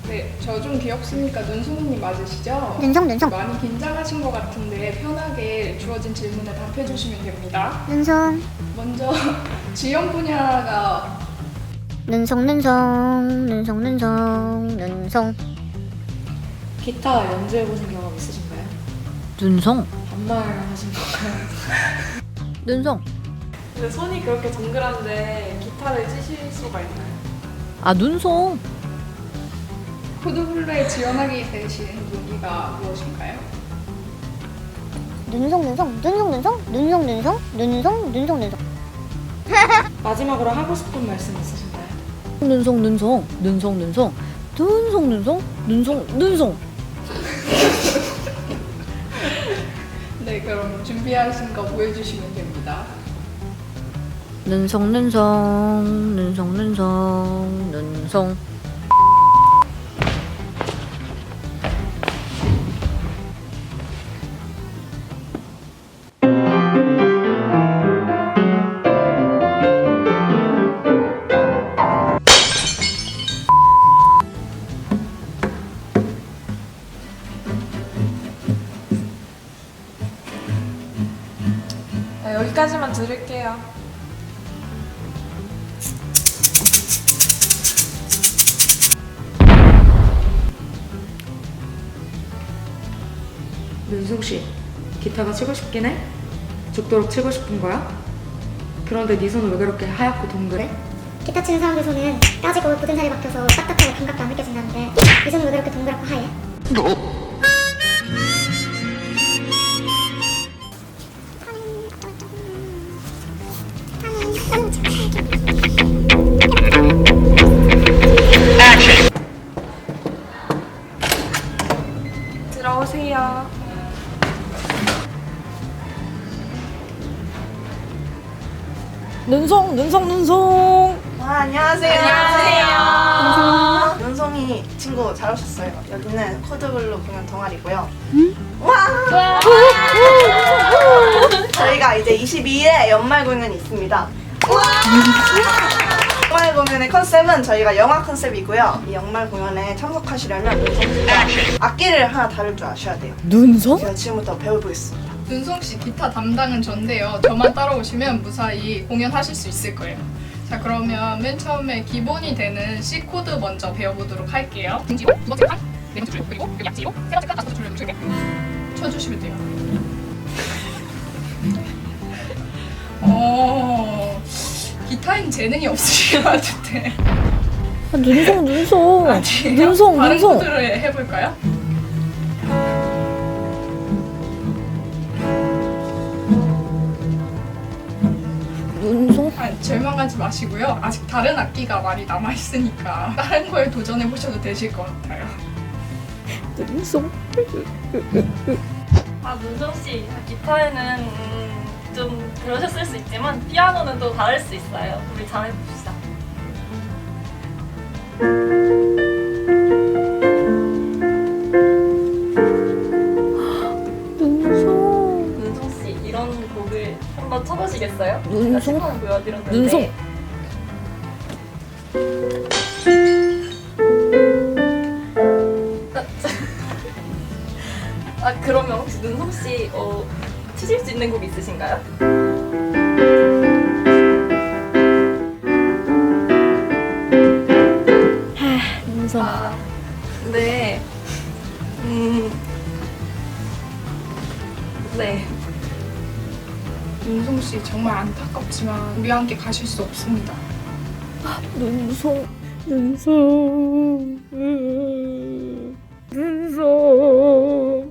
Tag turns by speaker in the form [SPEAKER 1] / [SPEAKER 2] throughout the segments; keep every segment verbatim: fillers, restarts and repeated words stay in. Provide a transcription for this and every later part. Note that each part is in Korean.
[SPEAKER 1] 네, 저 좀 귀엽습니까? 눈송이님 맞으시죠?
[SPEAKER 2] 눈송 눈송
[SPEAKER 1] 많이 긴장하신 것 같은데 편하게 주어진 질문에 답해 주시면 됩니다.
[SPEAKER 2] 눈송
[SPEAKER 1] 먼저 지원 분야가
[SPEAKER 2] 눈송 눈송 눈송 눈송 눈송
[SPEAKER 3] 기타 연주해보신 경험 있으신가요?
[SPEAKER 4] 눈송
[SPEAKER 3] 반말 하신 건가요?
[SPEAKER 4] 눈송
[SPEAKER 5] 근데 손이 그렇게 동그란데 기타를 치실 수가 있나요?
[SPEAKER 4] 아 눈송
[SPEAKER 1] 코드블루에 지원하게 되신 동기가 무엇인가요?
[SPEAKER 2] 눈송 눈송 눈송 눈송 눈송 눈송 눈송 눈송 눈송
[SPEAKER 3] 마지막으로 하고 싶은 말씀 있으신가요?
[SPEAKER 4] 눈송 눈송 눈송 눈송 눈송 눈송 눈송 눈송
[SPEAKER 1] 네, 그럼 준비하신 거 보여주시면 됩니다.
[SPEAKER 4] 눈송 눈송 눈송 눈송 눈송
[SPEAKER 5] 네, 여기까지만 들을게요.
[SPEAKER 3] 윤숙씨, 기타가 치고 싶긴 해? 죽도록 치고 싶은 거야? 그런데 네 손은 왜 그렇게 하얗고 동그래?
[SPEAKER 2] 기타 치는 사람들 손은 까지고 굳은 살이 박혀서 딱딱하고 감각도 안 느껴진다는데 이 손은 왜 그렇게 동그랗고 하얘?
[SPEAKER 5] 들어오세요.
[SPEAKER 4] 눈송 눈송 눈송
[SPEAKER 6] 아, 안녕하세요.
[SPEAKER 5] 안녕하세요.
[SPEAKER 6] 눈송이 친구 잘 오셨어요. 여기는 코드블루 공연 동아리고요. 와! 저희가 이제 이십이 일에 연말 공연이 있습니다. 연말 공연의 컨셉은 저희가 영화 컨셉이고요. 이 연말 공연에 참석하시려면 눈송이가 악기를 하나 다룰 줄 아셔야 돼요.
[SPEAKER 4] 눈송
[SPEAKER 6] 제가 지금부터 배워보겠습니다.
[SPEAKER 1] 눈송 씨 기타 담당은 전데요. 저만 따라오시면 무사히 공연하실 수 있을 거예요. 자, 그러면 맨 처음에 기본이 되는 C 코드 먼저 배워보도록 할게요. 등지로 두 번째 칸, 네 번째 줄, 그리고 여기 약지로 세 번째 칸, 다섯 번째 줄을 줄게 쳐주시면 돼요. 어, 기타엔 재능이 없으신 것 같은데.
[SPEAKER 4] 아, 눈송 눈송
[SPEAKER 1] 아니에요?
[SPEAKER 4] 눈송
[SPEAKER 1] 다른
[SPEAKER 4] 눈송
[SPEAKER 1] 코드를 해볼까요?
[SPEAKER 4] 눈송
[SPEAKER 1] 아, 절망하지 마시고요. 아직 다른 악기가 많이 남아있으니까 다른 거에 도전해보셔도 되실 것 같아요.
[SPEAKER 4] 눈송
[SPEAKER 7] 아, 문정씨, 기타에는 음, 좀 그러셨을 수 있지만 피아노는 또 다를 수 있어요. 우리 잘해봅시다.
[SPEAKER 4] 눈송
[SPEAKER 7] 문정씨, 이런 곡을 한번 쳐보시겠어요? 제가
[SPEAKER 4] 눈송?
[SPEAKER 7] 시범 보여드렸는데
[SPEAKER 4] 눈송
[SPEAKER 7] 아, 그러면 혹시 눈송씨 어, 치실 수 있는 곡 있으신가요?
[SPEAKER 4] 눈송
[SPEAKER 7] 아, 네. 음, 네.
[SPEAKER 1] 윤송 씨 정말 안타깝지만 우리와 함께 가실 수 없습니다.
[SPEAKER 4] 눈송 눈송 눈송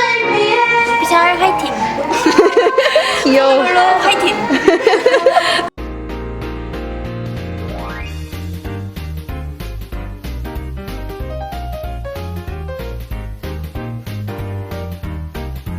[SPEAKER 2] 오피셜 화이팅!
[SPEAKER 4] 귀여워
[SPEAKER 2] 홀로 화이팅!